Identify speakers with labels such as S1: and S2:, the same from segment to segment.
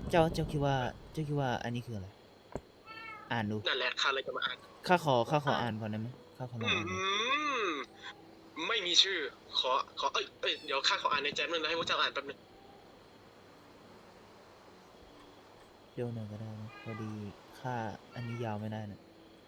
S1: เจ้าคิดว่าอันนี้คืออะไรอ่านดู
S2: นั่นแหละข้าเลยจะมาอ่าน
S1: ข้าขออ่านก่อนได้ไหมข้าขอลองอ่านดู
S2: มไม่มีชื่อขอเดี๋ยวข้าขออ่านในแจมนึงนะให้พวกเจ้าอ่านแป๊บนึง
S1: เร็วหน่อยก็ได้นะพอดีข้าอันนี้ยาวไม่ได้นะ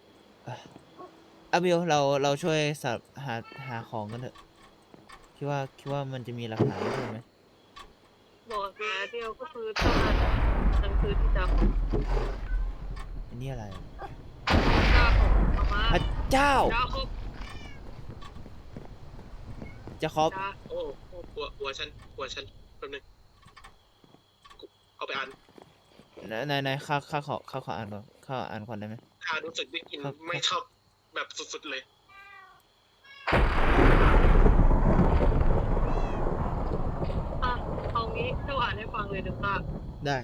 S1: เบลเราช่วยสับหาของกันเถอะคิดว่ามันจะมีหลักฐานใช่ไหม
S3: บอกหาเดียวก็คือต้องอ่านหนังสือที่จะ
S1: อันนี้อะไร
S3: เจ้าของเอามา
S1: พระเจ้า
S3: เจ้าครบ
S1: จะครบ
S3: จ้า
S2: โอ้หัวฉันแป๊บนึงเอาไปอ่าน
S1: ไหนข้าขออ่านก่อนข้าอ่านก่อนได้ไหม
S2: ข้ารู้สึกได้กลิ่นไม่ชอบแบบสุดๆเลย
S3: เอางี้เจ้าอ่านให้ฟังเลยเดี๋ยวข้า
S1: ได้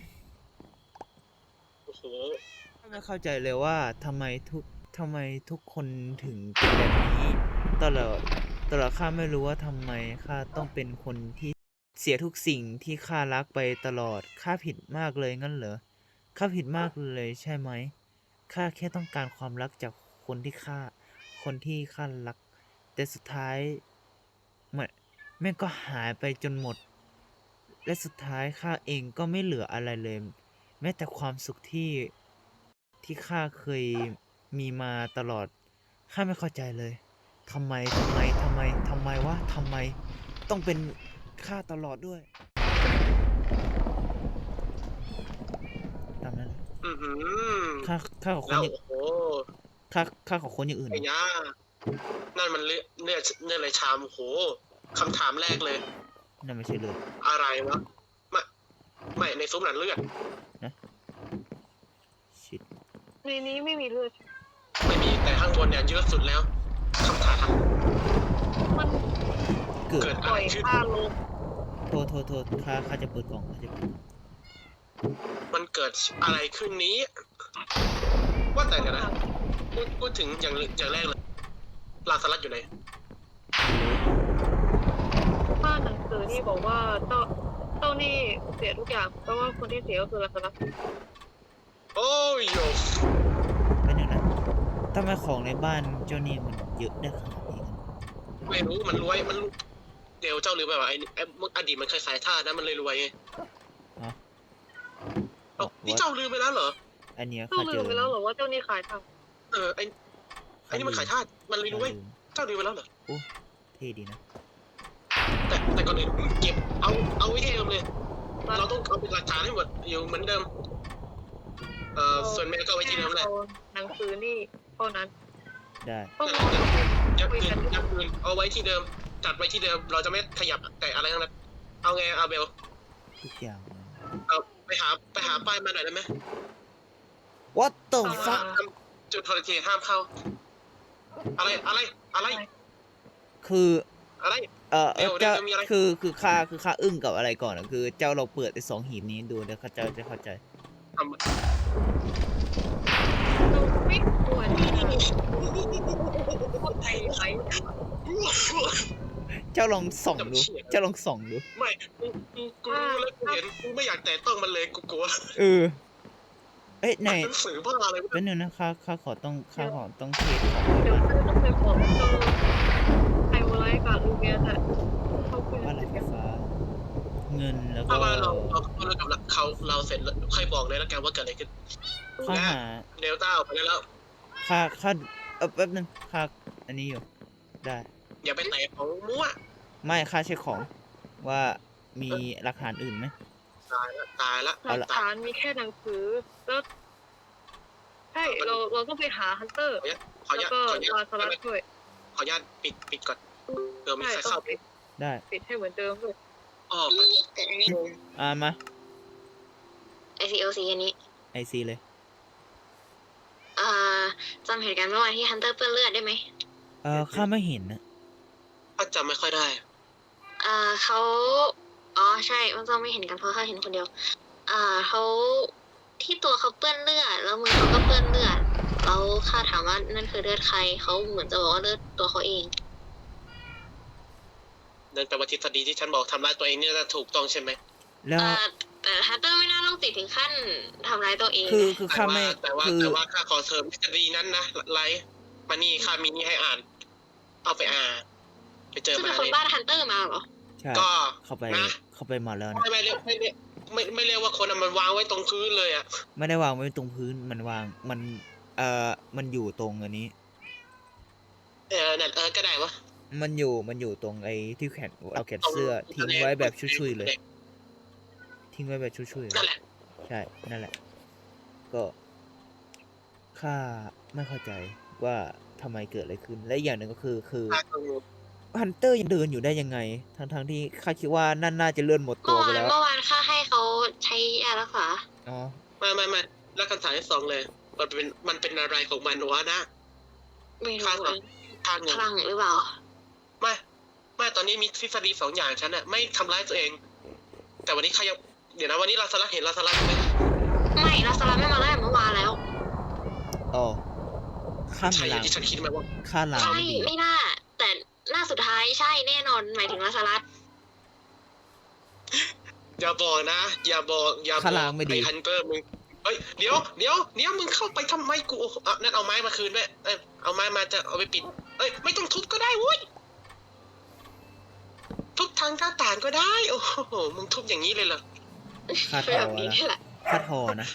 S2: โอ้โห
S1: ไม่เข้าใจเลยว่าทำไมทุกคนถึงเป็นแบบนี้ตลอดข้าไม่รู้ว่าทำไมข้าต้องเป็นคนที่เสียทุกสิ่งที่ข้ารักไปตลอดข้าผิดมากเลยงั้นเหรอข้าผิดมากเลยใช่ไหมข้าแค่ต้องการความรักจากคนที่ข้ารักแต่สุดท้ายแม่งก็หายไปจนหมดและสุดท้ายข้าเองก็ไม่เหลืออะไรเลยแม้แต่ความสุขที่ข้าเคยมีมาตลอดข้าไม่เข้าใจเลยทำไมวะทำไมต้องเป็นข้าตลอดด้วยตามนั้นข้าขอคน
S2: แล้ว
S1: อย่าง
S2: โอ้
S1: ข้าขอคนอย่างอื่น
S2: ไอ้ย่านั่นมันเลือดอะไรชามโหคำถามแรกเลย
S1: นั่นไม่ใช่เลย
S2: อะไรวะไม่ในซุ้มนั้นเลือด
S1: นะชิด
S3: ในนี้ไม่มีเลือด
S2: ไม่มีแต่ข้างบนเนี่ยเยอะสุดแล้วคำถาม
S3: มัน
S1: เกิด
S3: ปล่อยข้าลง
S1: โทษข้าจะเปิดกล่อง
S2: มันเกิดอะไรขึ้นนี้ว่าแต่กันนะพูดถึงอย่างแรกเลยลาสลัดอยู่ไหน
S3: ถ้าหนังสือนี่บอกว่าเจ้านี่เสียทุกอย่างเพราะว่าคนที่เสียก็คือลาซารัส
S2: โอ้ยโย
S1: เป็นอย่างนั้นทำไมของในบ้านเจ้านี่มันเยอะได้ขนาดนี้กัน
S2: ไม่รู้มันรวยมันเดี๋ยวเจ้าลืมไปว่าไอ้อดีตมันคล้ายๆท่านะมันเลยรวยไงนี่เจ้าลืมไปแล้วเหรอ
S1: อันเนี้ย
S3: เจ้าลืมไปแล้วเหรอว่าเจ้านี่ขายท
S2: ำไอ้นี่มันขายทาสมันเลยรวยเจ้าลืมไปแล้วเหรอ
S1: โอ้เท่ดีนะ
S2: แต่ก่อนอื่นเก็บเอาไว้ที่เดิมเลยเราต้องเอาเป็นหลักฐานให้หมดอยู่เหมือนเดิมส่วนแม่ก็ไว้ที่เดิมแหละ
S3: หนังสือนี่เท่านั้น
S1: ได้
S2: ยับคืนเอาไว้ที่เดิมจัดไว้ที่เดิมเราจะไม่ขยับแต่อะไรทั้งนั้นเอาไงเอาเบล
S1: ทุกอย่าง
S2: เอาไปหาป้ายมาหน่อยได้ไหม
S1: What the fuck
S2: จุดโทรทัศน์ห้ามเข้าอะไร
S1: คือ
S2: อะไร
S1: เจ้าคือข้าอึ้งกับอะไรก่อนอ่ะคือเจ้าเราเปิดไอ้2 หีบนี้ดูเดี๋ยวเจ้าจะเข้าใจ
S3: ไม่ควรคนไทยไหม
S1: เจ้าลองส่องดู
S2: ไม่กูรู้แล้วกูเห็นกูไม่อยากแตะต้องมันเลยกูกลัว
S1: ไหน
S2: สื่อบ้าอะไร
S1: เป็นหนึ่งนะข้าขอต้องเทสของ
S3: เดี๋ยวต้องไปบอกเจ้าไฮโอไลท์กับลูเมียสอะเขาคุย
S1: ว่าอะไรไฟฟ้าเงินแล้วก็
S2: เราเสร็จแล้วใครบอกเลยแล้วกันว่าเกิดอะไรขึ้น
S1: ข้าหา
S2: เดลต้าออกไปแล้ว
S1: ข้าแป๊บนึงข้าอันนี้อยู่ได้
S2: อย่าไปแตะของมั่ว
S1: ไม่ข้าเช็คของว่ามีหลักฐานอื่นไหม
S2: ตายละ
S3: หลักฐานมีแค่หนังสือแล้วใช่เราต้องไปหาฮันเตอร์แล้วก็ลาซารัสด้วย
S2: ขออนุญาตปิดก่อนเดี๋ยวมีใครเข้า
S1: ได้
S3: ปิดให้เหมือนเดิมด้วย
S4: เกิดอันนี้
S1: มา
S4: ICOC อันนี้
S1: IC เลย
S4: จำเหตุการณ์เมื่อวานที่ฮันเตอร์เปื้อนเลือดได้ไหม
S1: ข้าไม่เห็นนะ
S2: ข้าจำไม่ค่อยได้
S4: เขาใช่มันต้องไม่เห็นกันเพราะเขาเห็นคนเดียวเขาที่ตัวเขาเปื้อนเลือดแล้วมือเขาก็เปื้อนเลือดแล้วข้าถามว่านั่นคือเลือดใครเขาเหมือนจะบอกว่าเลือดตัวเขาเอง
S2: นั่นแปลว่าทฤษฎีที่ฉันบอกทำร้ายตัวเองเนี่ยจะถูกต้องใช่ไหม
S1: แล้ว
S4: แต่ฮันเตอร์ไม่น่าต้องติดติดถึงขั้นทำร้ายตัวเอง
S1: คือข้าไม่
S2: แต่ว่า
S1: คือ
S2: ข้าขอเสริมทฤษฎีนั้นนะไลฟ์มานี่ข้ามีนี่ให้อ่าน เอาไปอ่านไปเจอ
S4: ซึ่ง
S2: มา
S4: เป็นคน
S2: เลย
S4: บ้านฮันเตอร์มาเหรอ
S1: ใช่
S2: ก็
S1: เข้าไป
S2: นะ
S1: เข้าไปมาแล้วนะ
S2: ไม่เรียกไม่เรียกว่าคนอะมันวางไว้ตรงพื้นเลยอ่ะ
S1: ไม่ได้วางไว้ตรงพื้นมันวางมันมันอยู่ตรงอันนี้
S2: นั่นก็ได้วะ
S1: มันอยู่ตรงไอ้ที่แขนเอาแขนเสื้อทิ้งไว้แบบชุยๆเลย ทิ้งไว้แบบชุยๆเล
S2: นั่น
S1: ย
S2: แหละ
S1: ใช่นั่นแหละ ก็ข้าไม่เข้าใจว่าทำไมเกิดอะไรขึ้น และอีกอย่างหนึ่งก็คือ
S2: ข้าก็งง
S1: ฮันเตอร์ยังเดินอยู่ได้ยังไง ทั้งที่ข้าคิดว่านั่นน่าจะเลื่อนหมดตัวไปแล้ว
S4: เมื่อวานข้าให้เขาใช้ยารักษา
S1: อ๋อ
S2: ไม่แล้วคำถามที่สองเลย มันเป็นอะไรของมันวะนะ
S4: ไม่รู้
S2: ข้าง
S4: อะ
S2: ข้างง
S4: คลั่งหรือเปล่า
S2: ไม่ตอนนี้มีทฤษฎีสองอย่างฉันอะไม่ทำร้ายตัวเอง แต่วันนี้ข้ายังเดี๋ยวนะวันนี้ลาซาระเห็นลาซาระไหม
S4: ไม่ลาซาร่าไม่มาไล่เมื่อวานแล้ว
S1: อ๋อข้า
S2: ใช่
S1: มี
S2: อย่า
S1: ลาง ง
S2: ที่ฉันคิดไหมว่า
S1: ข้าลาง
S4: ใช่
S1: ไม่ดี
S4: ไม่น่า แต่หน้าสุดท้ายใช่แน่นอนหมายถึงลาซาร่า
S2: อย่าบอกนะ อย่าบอก
S1: ข้าลางไม่ดี
S2: ไอ้ฮันเตอร์มึงเฮ้ยเดี๋ยวมึงเข้าไปทำไมกูนั่นเอาไม้มาคืนไว้เอาไม้มาจะเอาไปปิดไม่ต้องทุบก็ได้เว้ยทุบทางหน้าต่างก็ได้ โอ้โหมึงทุบอย่างนี้เลยเหรอ
S1: ข้าท
S4: เป็น
S1: อ
S4: แบบนี้
S1: นะ
S4: นี่แหละ
S1: ข้าทอนะ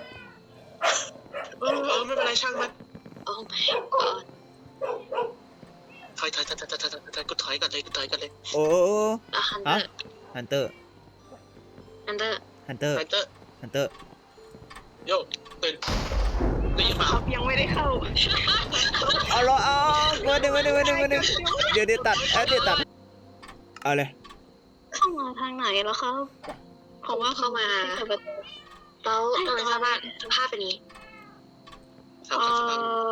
S2: ไม่เป็นไรช่างมัน
S4: โอ้ my god
S2: ถอยกูถอยก่อนเลย
S1: โอ้
S4: แล้วฮันเตอ
S1: ฮะ
S4: ร์
S1: ฮันเตอร์
S4: ฮันเตอร์
S1: ฮันเตอร์
S2: ฮันเตอร์
S1: ฮันเตอร์
S2: โยตื่นได้ยินเปล่า
S3: ครับยังไม่ได้เข้า
S1: เอาละเอามาดึงเดี๋ยวตัดเดี๋ยวตัดเอาเลย
S3: เข้ามาทางไหนแล้วครับ
S4: ผมว่าเข้ามาแล้วทำไมสภาพเป็นนี้
S2: สามสาม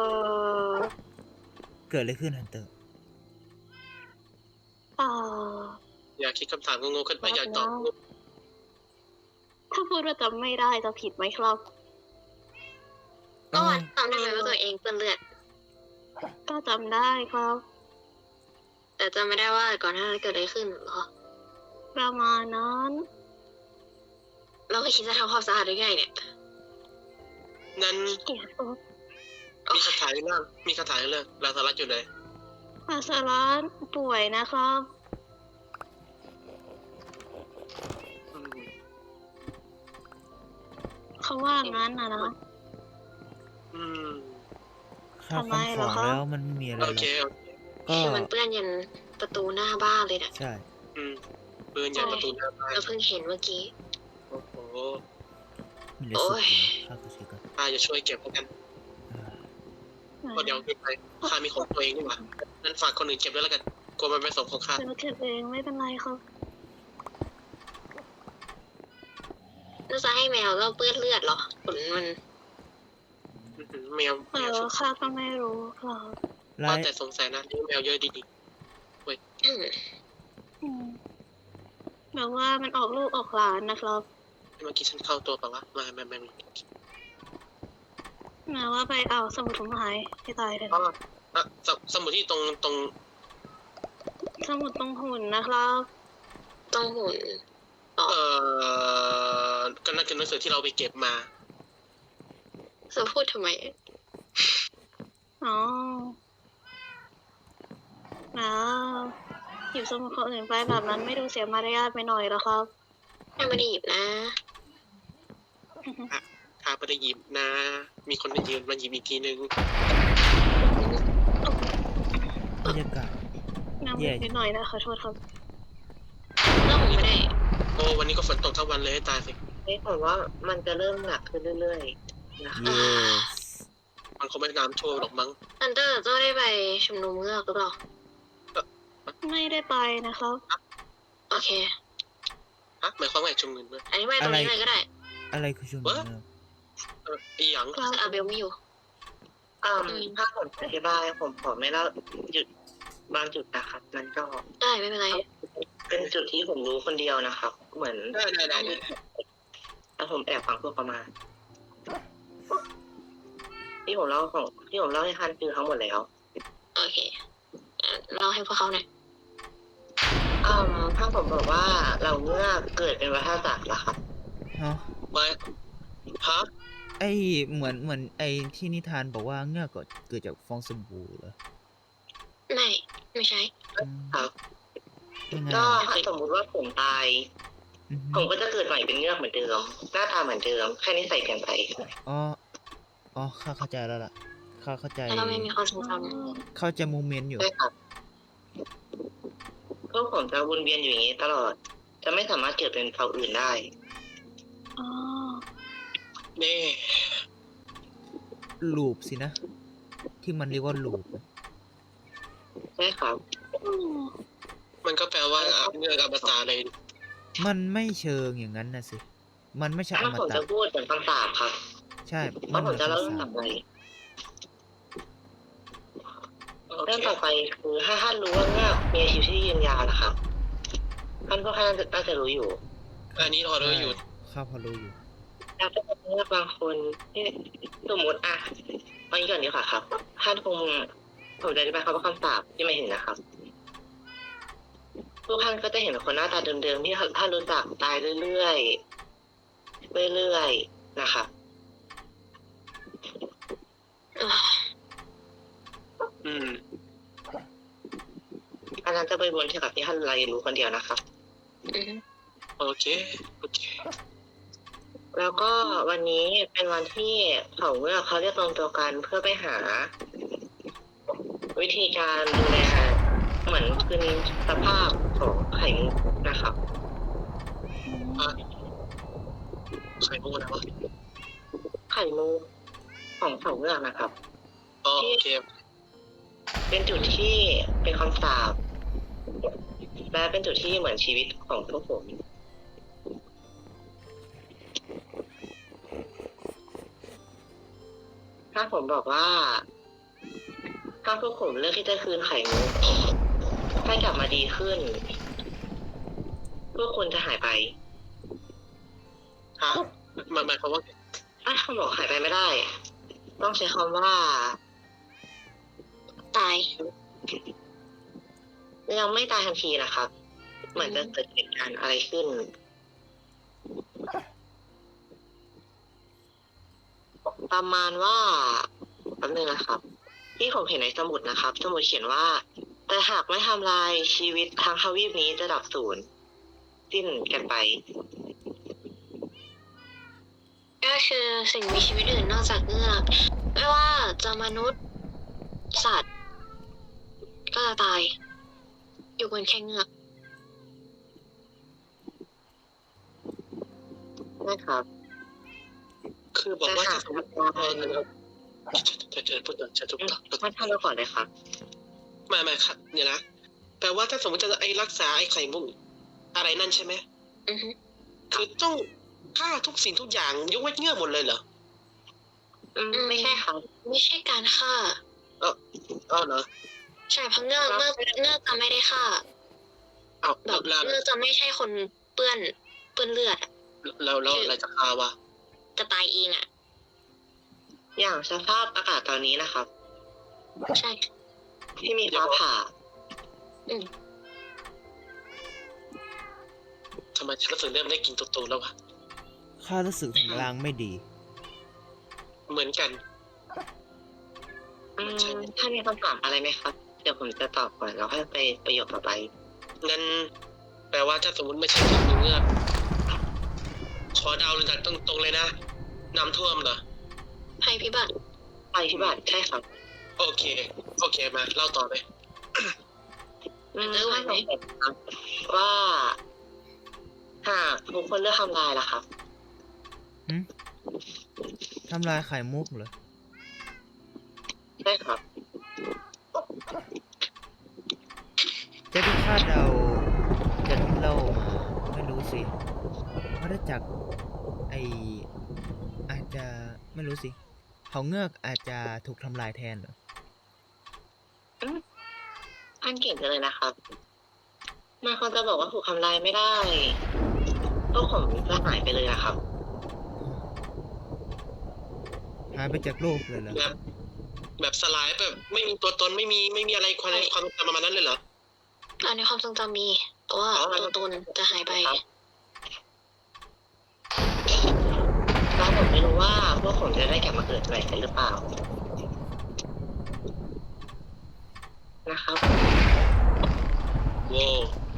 S1: เกิดอะไรขึ้นฮันเตอร์
S2: อย่าคิดคำถามงงๆขึ้นไปอย่าตอบ
S3: ถ้าพูดว่าจำไม่ได้จะผิดไหมครับ
S4: เมื่อวานจำได้ไหมว่าตัวเองเปื้อนเลือด
S3: ก็จำได้ครับ
S4: แต่จำไม่ได้ว่าก่อนหน้านั้นเกิดอะไรขึ้นเหรอ
S3: ประมาณนั้น
S4: เราไม่คิดจะทำความสะอาดได้ไงเนี่ย
S2: งั้น
S3: เกลียดโอ๊ต
S2: มีคำถามเรื่องลาซารัสอยู่ไหน
S3: อาสารัสป่วยนะครับ เขาว่างั้นนะ
S1: ข้าว
S3: ทำไม
S1: ของ
S3: เหรอครับ
S1: แล้วมันไม่มีอะไรหร
S2: โอ
S1: อก
S2: เค
S1: ก็
S4: คือมันเปื้อนยันประตูหน้าบ้านเลยนะ
S1: ใช่
S2: ปืนยันประตูหน้าบ้าน
S4: เราเพิ่งเห็นเมื่อกี้
S2: โอ้โห
S1: มีเหลือสุดข้าวก็ใช้ก่อน
S2: ข้าจะช่วยเก็บแล้วกัน
S1: อ่า
S2: ก็เดี๋ยวขึ้นไปข้ามีของตัวเองนี่หว่านั่นฝากคนอื่นเก็บด้วยแล้วกันกลัวมันเป็นสมของข้า
S3: เดี๋ยวเก็บเองไม่เป็นไรครับ
S4: น่าจะให้แมวก็เปื้อนเลือดเหรอขนมัน
S2: แมว
S3: ข้าก็ไม่รู้ครับ
S1: ไล่
S2: แต่สงสัยนะเลี้ยงแมวเยอะดี
S3: แบบว่ามันออกลูกออกหลานนะครับ
S2: ๆเมื่อกี้ฉันเข้าตัวเปล่าวะไม่
S3: แม้ว่าไปเอาสมุดผมหายให้ตายเลย
S2: อ๋อสมุดที่ตรง
S3: สมุดตรงหุ่นนะครับ
S4: ต้องหุ่น
S2: ก็นั่นคือหนังสือที่เราไปเก็บมา
S4: จะพูดทำไม
S3: อ๋อแล้วหยิบสมุดคนอื่นไปแบบนั้นไม่ดูเสียมารยาทไปหน่อยเหรอครับ
S4: ไม่ได้หยิบนะ
S2: ข้าไม่ได้หยิบนะ มีคนมายืมมาหยิบอีกทีนึง
S1: บรรยากาศ
S3: น้ำนิดหน่อยนะขอโทษครับ
S4: แล้วผมไม่ได้
S2: โอ้วันนี้ก็ฝนตกทั้งวันเลยให้ตายสิ
S5: ผมว่ามันจะเริ่มหนักขึ้นเรื่อยๆนะคะ
S1: yes
S2: มันคงไม่น้ำท่วมหรอกมั้ง
S4: อันเตอร์เจ้าได้ไปชุมนุมเงือกหรือเปล่า
S3: ไม่ได้ไปนะครับ
S4: โอเค
S2: ฮะหมายความว่าไงชุมเงินด้วย
S4: อันนี้ไปตรงนี้เลยก็ได้
S1: อะไรคือชุมนุมเนี่ย
S2: อีหยัง
S3: ครับ
S4: อาเบลไม่อยู่
S5: ถ้าผมอธิบายผมขอไม่เล่าจุดบางจุดนะครับ มันก็
S4: ได้ไม่เป็นไร
S5: เป็นจุดที่ผมรู้คนเดียวนะครับ เหมือน
S2: ได้
S5: แล้วผมแอบฟังพวกประมาณที่ผมเล่าให้คันคือทั้งหมดแล้ว
S4: โอเคเล่าให้พวกเขาหน่อย
S5: ถ้าผมบอกว่าเราเมื่อเกิดเป็นวัฏจักรล่ะครับ
S1: ฮะ
S2: มาฮะ
S1: ไอเหมือนไอที่นิทานบอกว่าเงือกเกิดจากฟองสบู่เหรอ
S4: ไม่ใช่
S1: อืม
S5: ครับ
S1: ยังไง
S5: ก็
S1: อะ
S5: ถ้าสมมุติว่าผมตาย
S1: อือฮึ
S5: ผมก็จะเกิดใหม่เป็นเงือกเหมือนเดิม หน้าตาเหมือนเดิม แค่นี้ใส่เปลี่ยนไป
S1: อ๋อข้าเข้าใจแล้วล่ะข้าเข้าใจ
S4: แล้วเราไม่มีความทรงจ
S1: เข้าใจโมเมนต์อยู่
S5: ใช่ครับพวกผมจะวนเวียนอยู่อย่างนี้ตลอด จะไม่สามารถเกิดเป็นเผ่าอื่นได้
S4: ำอ๋อ
S2: นี่
S1: ลูปสินะ ที่มันเรียกว่าลูป
S5: ใช่ครับ
S2: มันก็แปลว่าเงือกอมตะเลย
S1: มันไม่เชิงอย่างนั้นนะสิ มันไม่ใช่อ
S5: ถ้าม ผม
S1: ตะ
S5: จะพูดเหมือนคำสาปครับ
S1: ใช่
S5: เพ
S1: มัน
S5: ราะ
S1: เห
S5: ผ
S1: มื
S5: ม
S1: อน
S5: จะเล่า
S1: คำ
S5: เรื่อง
S1: สา
S5: ต่
S1: ป
S5: อไป
S2: โอ
S5: เรื่อง
S2: เค
S5: ต่อไปคือถ้าท่านรู้ว่าเงือกมีอายุที่ยืนยาวนะครับท่านก็แค่น่าจะรู้อยู่
S2: อันนี้เรารู้อยู่
S1: ข้าพอรู้อยู่
S5: แล้วก็จะมีเงือกบางคนที่สมมติอะเอางี้ก่อนดีกว่าครับท่านคงผมจะอธิบายคำว่าคำสาปที่ไม่เห็นนะครับทุกท่านก็จะเห็นคนหน้าตาเดิมๆที่ท่านรู้จักตายเรื่อยๆนะครับ
S2: อืม
S5: อันนั้นจะไปวนเกี่ยวกับที่ท่านรายรู้คนเดียวนะครับ
S4: อืม
S2: โอเค โอเค
S5: แล้วก็วันนี้เป็นวันที่เผ่าเงือกเขาเรียกรวมตัวกันเพื่อไปหา วิธีการดูแลเหมือนคืนสภาพของไข่มุกนะครับ
S2: ใครพูดนะวะ
S5: ไข่มุกของเผ่าเงือกนะครับ
S2: อ๋อโอเค
S5: เป็นจุดที่เป็นคำสาปและเป็นจุดที่เหมือนชีวิตของพวกผม ถ้าผมบอกว่า ถ้าพวกผมเลือกที่จะคืนไข่มุกให้กลับมาดีขึ้น พวกคุณจะหายไป
S2: ฮะมันหมายความว่า
S5: ถ้าคำบอกหายไปไม่ได้ ต้องใช้คำว่า
S4: ตาย
S5: ยังไม่ตายทันทีนะครับ เหมือนจะเกิดเหตุการณ์อะไรขึ้น ประมาณว่าแป๊บนึงนะครับ ที่ผมเห็นในสมุดนะครับ สมุดเขียนว่า แต่หากไม่ทำลายชีวิตทางทวีปนี้จะดับสูญสิ้นกันไป
S4: ก็คือสิ่งมีชีวิตอื่นนอกจากเงือกไม่ว่าจะมนุษย์ สัตว์ ก็จะตาย อยู่บนแค่เงือก
S5: นะครับ
S2: คือบอกว่า
S5: แต่
S2: ถ้า
S5: หาก
S2: สมมติ
S5: ทำลาย
S2: จะพูดต่อจะทุกต่อ
S5: ท่านทำเราก่อนเลยครับ
S2: ไม่ครับเนี่ยนะแปลว่าถ้าสมมติจะไอ้รักษาไอ้ไข่มุกอะไรนั่นใช่ไหม
S4: อือฮึ
S2: คือต้องฆ่าทุกสิ่งทุกอย่างยกเว้นเงือกหมดเลยเหรอ
S5: ไม่ใช่ครับ
S4: ไม่ใช่การฆ่า
S2: อ๋อเหรอ
S4: ใช่เพราะเงือกจะไม่ได้ฆ่า
S2: เอา
S4: แบบ
S2: แล้ว
S4: เงือกจะไม่ใช่คนเปื้อนเลือดอะ
S2: แล้วอะไรจะฆ่าวะ
S4: จะตายเองอ่ะ
S5: อย่างสภาพอากาศตอนนี้นะครับ
S4: ใช่
S5: ที่มีฟ้าผ่า
S2: ทำไมฉันรู้สึกเริ่มได้กินตุ่ๆแล้ววะ
S1: ข้ารู้สึกถึงลางไม่ดี
S2: เหมือนกัน
S5: ถ้ามีคำถามอะไรไหมครับ เดี๋ยวผมจะตอบก่อนแล้วค่อยไปประโยคต่อไป
S2: งั้นแปลว่าถ้าสมมติไม่ใช่ไข่มุกเงือกขอเดาเลยจากตรงๆเลยนะน้ำท่วมเหรอ
S4: ภัยพิบัติ
S5: ภัยพิบัติใช่ครับ
S2: โอเคมาเล่าต่อเลย
S4: ไหวไหม
S5: ว่าหากทุกคนเลือกทำลายล่ะครับ
S1: ทำลายไข่มุกเหรอ
S5: ใช่ครับ
S1: จะที่คาดเดาจะที่เล่ามาไม่รู้สิวัฏจักรอาจจะไม่รู้สิเขาเงือกอาจจะถูกทำลายแทนเหรอ
S5: ท่านเก่งจังเลยนะครับมันควรจะบอกว่าถูกทำลายไม่ได้พวกผมจะหายไปเลยนะครับ
S1: หายไปจากโลกเลยเหรอ
S2: แบบสลายแบบไม่มีตัวตนไม่มีอะไรความจำประมาณนั้นเลยเหรอ
S4: อันในความทรงจำมีแต่ว่าตัวตนจะหายไป
S5: ผมจะได้กลับมาเกิดใหม่กันหรือเปล่านะครับ
S2: โว้ว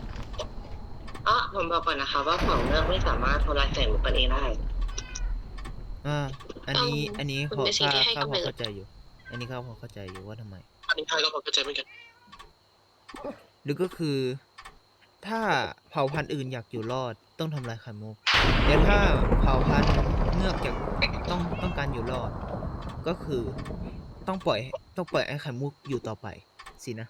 S5: ผมบอกก่อนนะคะว่าเผ่าเงือกไม่สามารถทำลายแสงมุกกันเองได้
S1: อันนี้อันนี้
S4: มัน
S1: พอ
S4: เป็นสิ่ง
S1: ข้า
S4: ที่ให้
S1: ข้าพ
S4: กำ
S1: อ
S4: เนิด
S1: เข้าใจอยู่ อันนี้ข้าพอเข้าใจอยู่ว่าทำไม
S2: อันนี้ข้าก็พอเข้าใจเหมือนกัน
S1: หรือก็คือ ถ้าเผ่าพันธุ์อื่นอยากอยู่รอดต้องทำลายไข่มุกแต่ถ้าเผ่าพันธุ์เงือกอยากต้องการอยู่รอด ก็คือต้องปล่อยให้ไข่มุกอยู่ต่อไปสินะ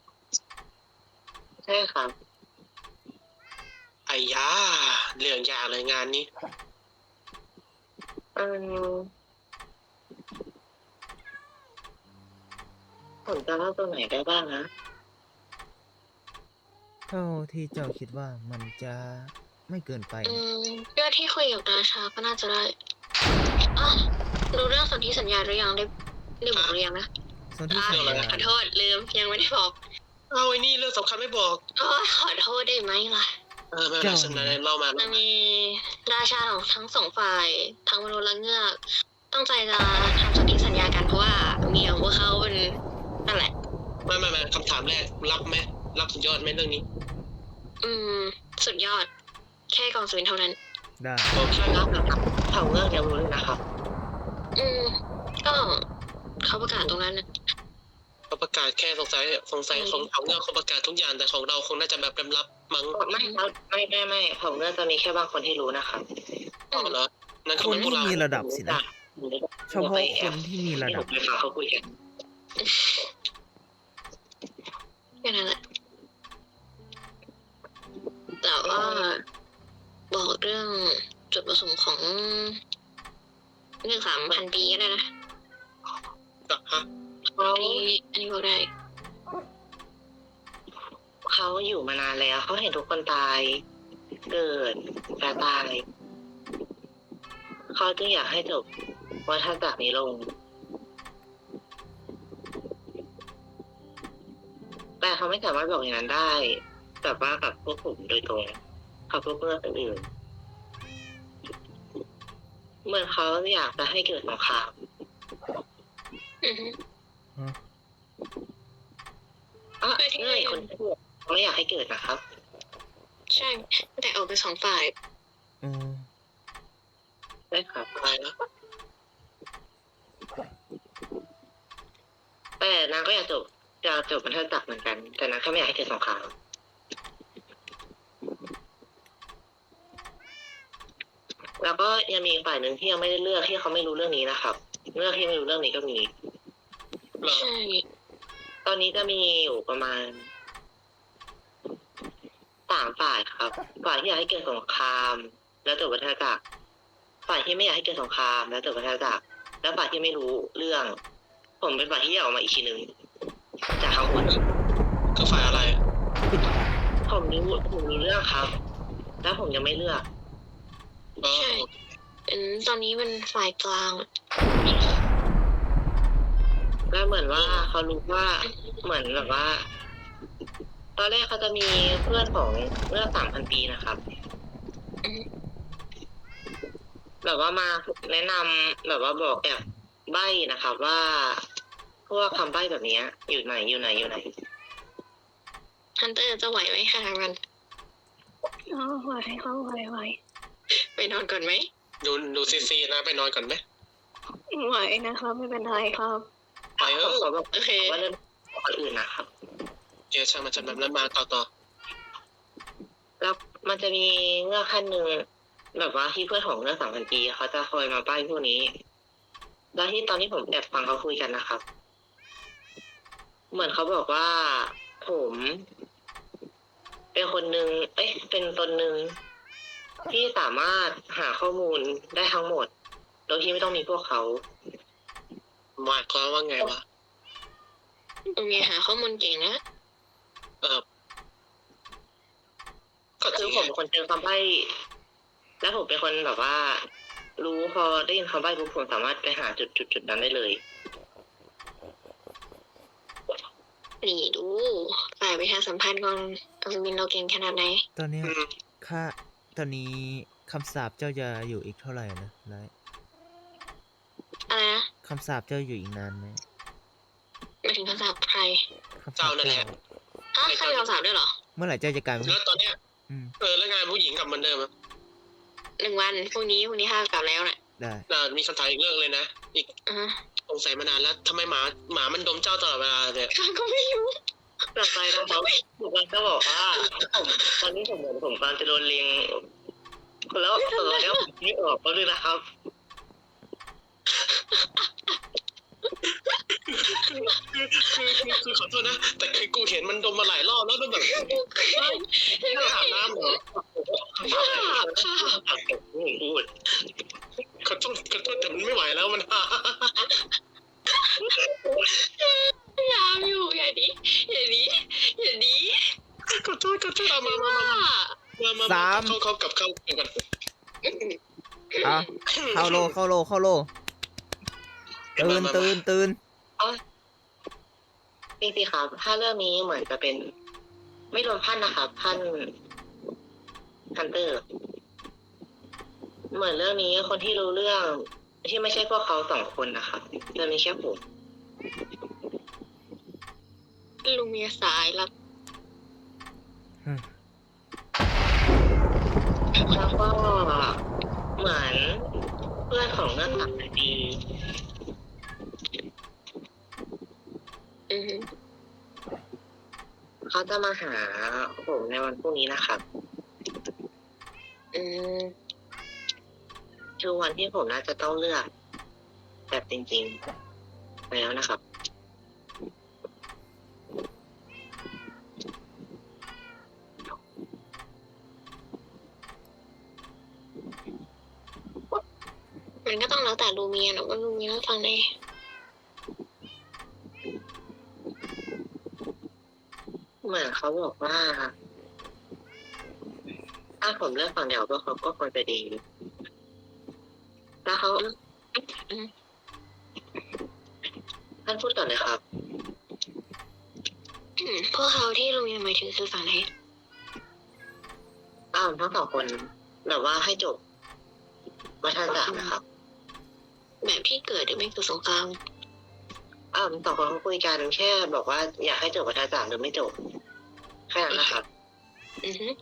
S5: ใช่ครับ
S2: ไอ้ยาเรื่องยากเลยงานนี้
S5: ผมจะเล่าตัวไหนได้บ้างนะ
S1: เท่าที่เจ้าคิดว่ามันจะไม่เกินไป
S4: อื
S1: นะ
S4: มเรื่องที่คุยกับราชาก็น่าจะได้อ่ะรู้เรื่องสนธิสัญญาหรือยังได้บอกหรือยังนะ
S1: ส่วนที่สัญญา
S4: ขอโทษลืมยังไม่ได้บอก
S2: เอาไอ้นี่เรื่องสำคัญไม่บอก
S4: ขอโทษได้ไหมล่ะ
S2: ไม่เป็นไรฉันได้เล่ามา
S4: จะมีราชาของทั้งสองฝ่ายทั้งมนุษย์และเงือกตั้งใจจะทำสนธิสัญญากันเพราะว่าเมียของพวกเขาเป็นนั่นแหละ
S2: ไม่คำถามแรกรับไหมรับสุดยอดไหมเรื่องนี้
S4: สุดยอด แค่กองสุวินเท่านั้น
S1: ได้
S2: โอเค
S5: แล้วนะครับเผ่าเงือกยังรู้เลยนะครับ
S4: ก็เขาประกาศตรงนั้นนะ
S2: เขาประกาศแค่สงสัยของเขาเนี่ยเขาประกาศทุกอย่างแต่ของเราคงน่าจะแบบลับๆมั้ง
S5: ไม่ครับไม่เผ่าเงือกจะมีแค่บางคนที่รู้นะครับ
S2: อ๋อเหรอนั่น
S1: ค
S2: คือน มันพว
S1: ที่
S2: กเรา
S1: มีระดับสินะ เฉพาะคนที่มีระดับ
S5: ที่ผมไปฟังเขาคุยกัน
S4: แค่นั้นแหละแต่ว่าบอกเรื่องจุดประสงค์ของเรื่อง3,000 ปีก็ได้นะ
S2: ฮะ
S4: อันนี้บอกได้
S5: เขาอยู่มานานแล้วเขาเห็นทุกคนตาย เกิดแปรตาย เขาจึงอยากให้จบวัฏจักรนี้ลง แต่เขาไม่สามารถบอกอย่างนั้นได้แบบว่ากับพวกผมโดยตรงกับพวกเพื่อนอื่นเหมือนเขาอยากจะให้เกิดสงคราม
S4: อือฮึ
S5: เงื่อนคนที่เขาไม่อยากให้เกิดนะครับ
S4: ใช่ แต่ออกเป็น2 ฝ่าย
S1: อืม
S5: ได้ครับ
S2: อะไรนะ
S5: แต่นางก็อยากจบวัฏจักรเหมือนกัน แต่นางแค่ไม่อยากให้เกิดสงคราม แล้วก็ยังมีอีกฝ่ายหนึ่งที่ยังไม่ได้เลือกที่เขาไม่รู้เรื่องนี้นะครับเลือกที่ไม่รู้เรื่องนี้ก็มี
S2: เหรอ
S4: ใช่
S5: ตอนนี้จะมีอยู่ประมาณ3 ฝ่ายครับ ฝ่ายที่อยากให้เกิดสงคราม แล้วจบวัฏจักร ฝ่ายที่ไม่อยากให้เกิดสงคราม แล้วจบวัฏจักร แล้วฝ่ายที่ไม่รู้เรื่อง ผมเป็นฝ่ายที่อยากออกมาอีกทีหนึ่งจากทั้งหมด
S2: คือฝ่ายอะไร
S1: ปิดปาก
S5: ผมมีเรื่องครับ แล้วผมยังไม่เลือก
S2: อ๋อ
S4: ใช่ตอนนี้มันฝ่ายกลาง
S5: แล้วเหมือนว่าเขารู้ว่าเหมือนแบบว่า ตอนแรกเขาจะมีเพื่อนของเมื่อ3,000 ปีนะครับ แบบว่ามาแนะนำแบบว่าบอกแอบใบ้นะครับว่าพวกคำใบ้แบบเนี้ยอยู่ไหน
S4: ฮันเตอร์จะไหวไหมคะมัน
S3: ไหว
S4: ไปนอนก่อนไหม
S2: ดูซีนะไปนอนก่อนไหม
S3: ไหวนะครับไม่เป็นไรครับ
S2: ไปเอ
S5: ผม
S2: อ
S5: ขอบอก
S4: โอเค
S5: ว่าเรื่องคนอื่นนะครับ
S2: เดี๋ยวช่างมันจะแบบนั้นมาต่อ
S5: แล้วมันจะมีเงือกขั้นหนึ่งแบบว่าที่เพื่อนของเงือก3,000 ปีเขาจะคอยมาใบ้พวกนี้ แล้วที่ตอนที่ผมแอบฟังเขาคุยกันนะครับ เหมือนเขาบอกว่าผมเป็นคนหนึ่งเป็นตนหนึ่งที่สามารถหาข้อมูลได้ทั้งหมด โดยที่ไม่ต้องมีพวกเขา
S2: หมายความว่าไงวะ
S4: โอเคหาข้อมูลเก่งนะ
S2: ก็จ
S5: คื
S2: ริ
S5: อง ผมเป็นคนเจอคำใบ้และผมเป็นคนแบบว่า รู้พอได้ยินคำใบ้ปุ๊บผมสามารถไปหาจุดนั้นได้เลย
S4: นี่ดูฝ่ายประชาสัมพันธ์ของอัศวินเราเก่งขนาดไหน
S1: ตอนเนี้ย
S2: อืม
S1: ตอนนี้คำสาปเจ้าจะอยู่อีกเท่าไหร่นะไลท์คำสาปเจ้าอยู่อีกนานไหม
S4: ไม่ถึงคำสาปใคร
S1: คำสา
S2: เจ้า
S1: ป
S2: นั่นแหละ
S4: ใครมีคำสาปด้วยเหรอ
S1: เมื่อไหร่เจ้าจะกลายเป็น
S2: แล้วตอนเนี้ย
S1: อืม
S2: แล้วงานผู้หญิงกลับเหมือนเดิมอะ
S4: 1 วันพรุ่งนี้ข้ากลับแล้วน่ะ
S1: ได้
S2: มีคำถามอีกเรื่องเลยนะ อีก
S4: อ่าฮะ
S2: สงสัยมานานแล้วทำไมหมามันดมเจ้าตลอดเวลาเนี่ย
S4: ข้าก็ไม่รู้
S5: กลับไปนะครับผมก็บอกว่าตอนนี้ผมเหมือนผมกำลังจะโดนเลียงแล้วตอนนี้ผมไม่ออกก็ด้วยนะครับ
S2: คือขอโทษนะ แต่คือกูเห็นมันดมมาหลายรอบแล้วแบบไม่อาบน้ำเหรอ
S4: ข้า
S5: ไม่พูด
S2: ขอโทษแต่มันไม่ไหวแล้วมัน
S4: พยายามอยู่อย่าดี
S2: ขอโทษเอามาเขากลับเข้ากัน
S1: อ่ะเข้าโลตื่น
S5: จริงๆครับถ้าเรื่องนี้เหมือนจะเป็นไม่รวมพันนะครับพันฮันเตอร์ เหมือนเรื่องนี้คนที่รู้เรื่องที่ไม่ใช่พวกเขา2 คนนะครับจะมีแค่ผม
S4: ลุงมีสายลับ
S1: อืม
S5: แล้วก็เหมือนเพื่อนของเงื่อนหลักดี
S4: อือฮึ
S5: เขาจะมาหาผมในวันพรุ่งนี้นะครับ
S4: อืม
S5: คือวันที่ผมน่าจะต้องเลือกแบบจริงๆแล้วนะครับ
S4: มันก็ต้องแล้วแต่ลูเมียนะว่าลูเมียฟังได้
S5: เหมือนเขาบอกว่าถ้าผมเลือกฝั่งเดียวพวกเขาก็ควรจะดี แล้วเขาท่านพูดก่อนเลยครับ
S4: พวกเขาที่ลูเมียหมายถึงคือฝั่งไหน
S5: ทั้ง2 คนแบบว่าให้จบวัฒนศาสตร์นะครับ
S4: แบบที่เกิดหรือไม่เกิดสงคราม
S5: 2 คนเขาคุยกันแค่บอกว่าอยากให้จบวัฒนศาสตร์หรือไม่จบแค่นั้นนะครับ
S4: อือฮึ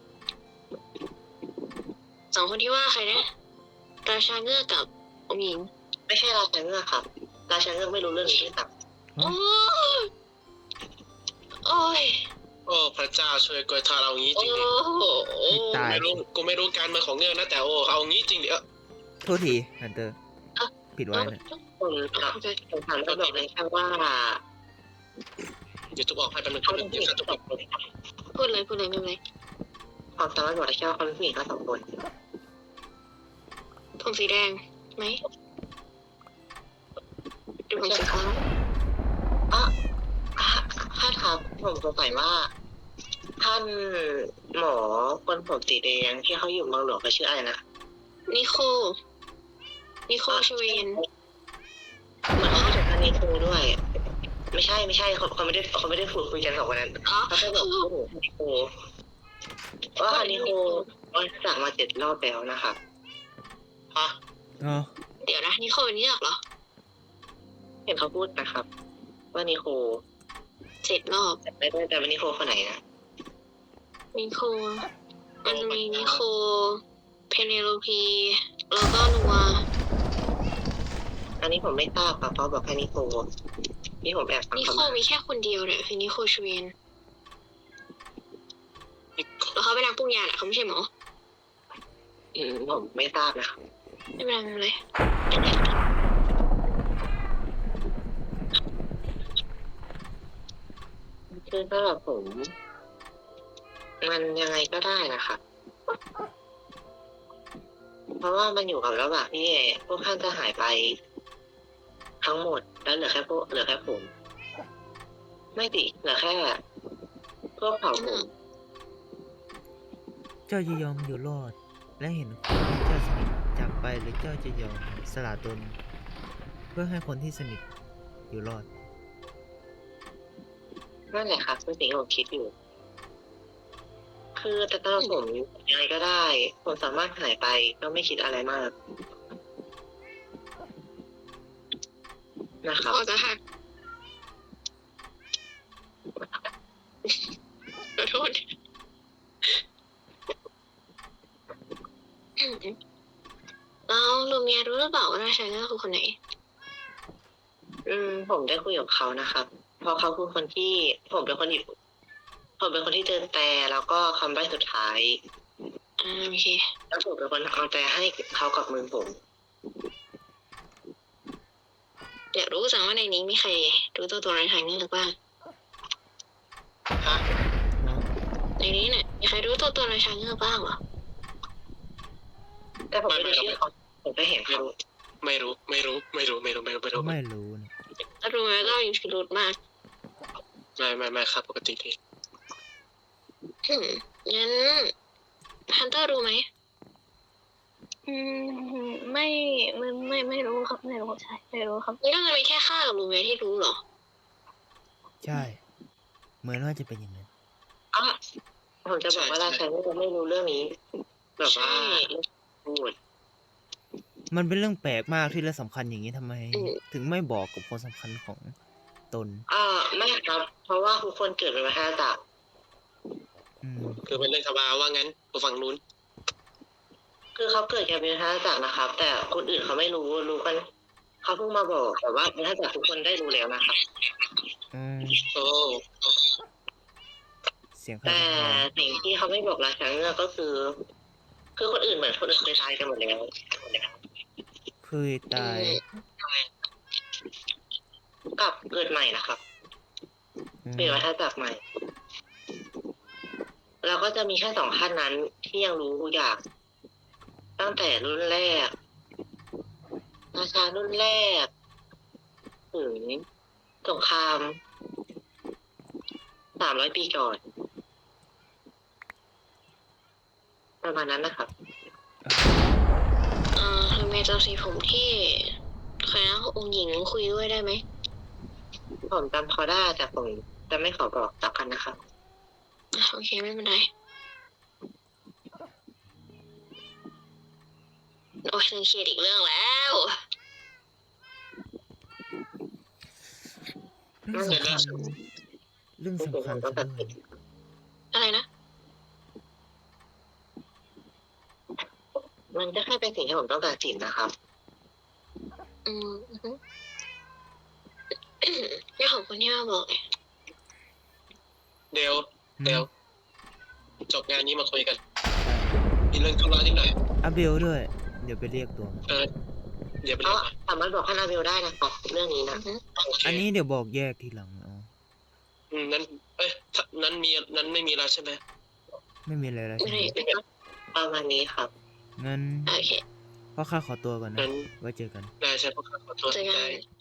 S4: 2 คนที่ว่าใครนะราชาเงือกกับองค์หญิง
S5: ไม่ใช่ราชาเงือกครับ ราชาเงือกไม่รู้เรื่องนี้ด้วยซ้
S4: โอ้ยโอ้ย
S2: โอ้พระเจ้าช่วยกวยทาเรางี้จ
S4: โอ้
S2: ริงดิ
S4: โห
S1: ตาย
S2: กูไม่รู้การเมืองของเงื่อนนะแต่เอางี้จริงดิ
S1: โทษทีฮันเตอร์ผิดไว้นะ
S5: ำผมถามก็บอกเลยแค่ว่า
S2: เดี๋ยวทุบออกให้เป็นหนึ่ง
S5: เขา
S2: เดี๋
S5: เป็
S2: ย
S5: น
S2: ว
S5: ผู้หญิง
S2: ทุบออก
S4: พูดเลยไม่เป็นไร
S5: ความสามารถบอกได้แค่ว่าเขาเป็นผู้หญิงทั้ง2 คน
S4: ผมสีแดงไหมหรือผมสีฟ้า
S5: ถ้าถามผมสงสัยว่า ท่านหมอคนผมสีแดงที่เขาอยู่เมืองหลวงเขาชื่ออะไรนะ
S4: นิโคชเวน
S5: เหมือนเขาจะท่านนิโคด้วย ไม่ใช่เขาไม่ได้พูดคุยกัน2 คนนั้น
S4: อ๋อ
S5: เขาแค่บอกว่านิโคว่าฮันนิโคสั่งมา7 รอบแล้วนะครับ
S2: ฮะ
S1: อ๋อ
S4: เดี๋ยวนะนิโคเป็นเงือกเหรอ
S5: เห็นเขาพูดนะครับ ว่านิโค
S4: 7 รอบ
S5: แต่ไม่ได้แต่ว่านิโคคนไหนนะ
S4: นิโคมันจะมีนิโคเพเนโลพีแล้วก็นัว
S5: อันนี้ผมไม่ทราบครับเขาบอกแค่นิโคนี่ผมแอบฟัง
S4: นิ
S5: เขา
S4: โค
S5: มา
S4: มีแค่คนเดียวเนี่ยคือนิโคชเวนแล้วเขาเป็นนักปรุงยาแหละเขาไม่ใช่หมอ
S5: ผมไม่ทราบนะครับ
S4: ไม่เป็นไร
S5: คือสำหรับผม มันยังไงก็ได้นะครับ เพราะว่ามันอยู่กับระหว่างที่พวกท่านจะหายไป ทั้งหมดแล้วเหลือแค่ผม ไม่ติเหลือแค่พวกเผ่าผม
S1: เจ้าจะยอมอยู่รอด และเห็นคนที่เจ้าสนิทจากไปหรือเจ้าจะยอมสละตน เพื่อให้คนที่สนิทอยู่รอด
S5: นั่นแหละครับคือสิ่งที่ผมคิดอยู่ คือแต่สำหรับผมยังไงก็ได้ ผมสามารถหายไปก็ไม่คิดอะไรมากนะครับ
S4: ออกจะหักขอโทษแล้วลูเมียรู้หรือเปล่าว่าราชาเงือกคือคนไหน
S5: ผมได้คุยกับเขานะครับ เพราะเขาคือคนที่ผมเป็นคนที่เจอแต่แล้วก็คำใบ้สุดท้าย
S4: โอเค
S5: แล้วผมเป็นคนเอาแต่ให้เขากับมือผม
S4: อยากรู้จังว่าในนี้มีใครรู้ตัวราชาเงือกบ้าง
S2: ฮะ
S4: ในนี้เนี่ยมีใครรู้ตัวราชาเงือกบ้างเหรอ
S5: แต่ผมไม่ได้ชื่อเขาผมไปเห็นเขา
S2: ไม่รู้
S1: ไม่รู้เนี่ย
S4: แล้วรู้ไหมก็มีพิรุธมาก
S2: ไม่ครับปกติดี
S4: งั้นฮันเตอร์รู้ไหม
S3: ไม่รู้ครับไม่รู้ใช่ไม่รู้ครับ
S4: นี่ก็จะมีแค่ข้ากับลูเมียที่รู้เหรอ
S1: ใช่ เหมือนว่าจะเป็นอย่างนั้น
S5: อ่ะผมจะบอกว่าราชาเงือกไม่รู้เรื่องนี้ แบบว่า
S4: ใช่
S5: พูด
S1: มันเป็นเรื่องแปลกมากที่เรื่องสำคัญอย่างนี้ทำไม
S4: อืม
S1: ถึงไม่บอกกับคนสำคัญของตน
S5: ไม่ครับ เพราะว่าทุกคนเกิดเป็นมหาจักร
S1: อืม
S2: คือเป็นเรื่องธรรมดาว่างั้นกูฝั่งนู้น
S5: คือเขาเกิดกันเป็นมหาจักรนะครับ แต่คนอื่นเขาไม่รู้กันเขาเพิ่งมาบอกแต่ว่ามหาจักรทุกคนได้รู้แล้วนะครับ
S1: อืม
S2: โอ้
S1: เสียงใคร
S5: แต่
S1: เป็นใคร
S5: สิ่งที่เขาไม่บอกราชาเงือกก็คือคนอื่นเหมือนคนอื่นเคยตายกันหมดแล้ว
S1: เคยตาย
S5: กับเกิดใหม่นะครับ
S1: อืม
S5: เป็นวัฏจักรใหม่ แล้วก็จะมีแค่2ขั้นนั้นที่ยังรู้อย่างตั้งแต่รุ่นแรก ราชารุ่นแรก ถึงสงคราม300 ปีก่อน ประมาณนั้นนะครับ
S4: ลูเมียจำสีผมที่ใครนะองค์หญิงคุยด้วยได้ไหม
S5: ผมจำเขาได้แต่ผมจะไม่ขอบอกต่อกันนะครับ
S4: โอเคไม่เป็นไร โอ้ยฉันเครียดอีกเรื่องแล้ว
S1: เรื่องสำคัญเรื่องสำคัญซะด้วย
S4: อะไรนะ
S5: มันก็แค่เป็นสิ่งที่ผมต้องตัดสินนะครับ
S4: อืมเรื่องของคนที่มาบอกไง
S2: เดี๋ยวจบงานนี้มาคุยกันมีเรื่องธุระนิดหน่อย
S1: อาเบลด้วย เดี๋ยวไปเรียกตัวมา
S2: เดี๋ยวไป
S5: เพ
S2: เรีย
S5: ราะ
S2: กมา
S5: สามารถบอกคานาเบลได้นะครับเรื่องนี้นะ
S2: โอเค
S1: อันนี้เดี๋ยวบอกแยกทีหลังเอา
S2: นั้นนั้นไม่มีแล้วใช่ไหม
S1: ไม่มีอะไรแล้ว
S4: ไม่
S1: ใช่ไหม
S4: ได้
S5: ประมาณนี้ครับ
S1: งั้น
S4: โอเค
S1: พ่อข้าขอตัวก่อนนะ
S2: งั้น
S1: ไว้เจอกัน
S2: ได้ใช่เพราะขอโทษ
S4: เจอกัน
S2: ได้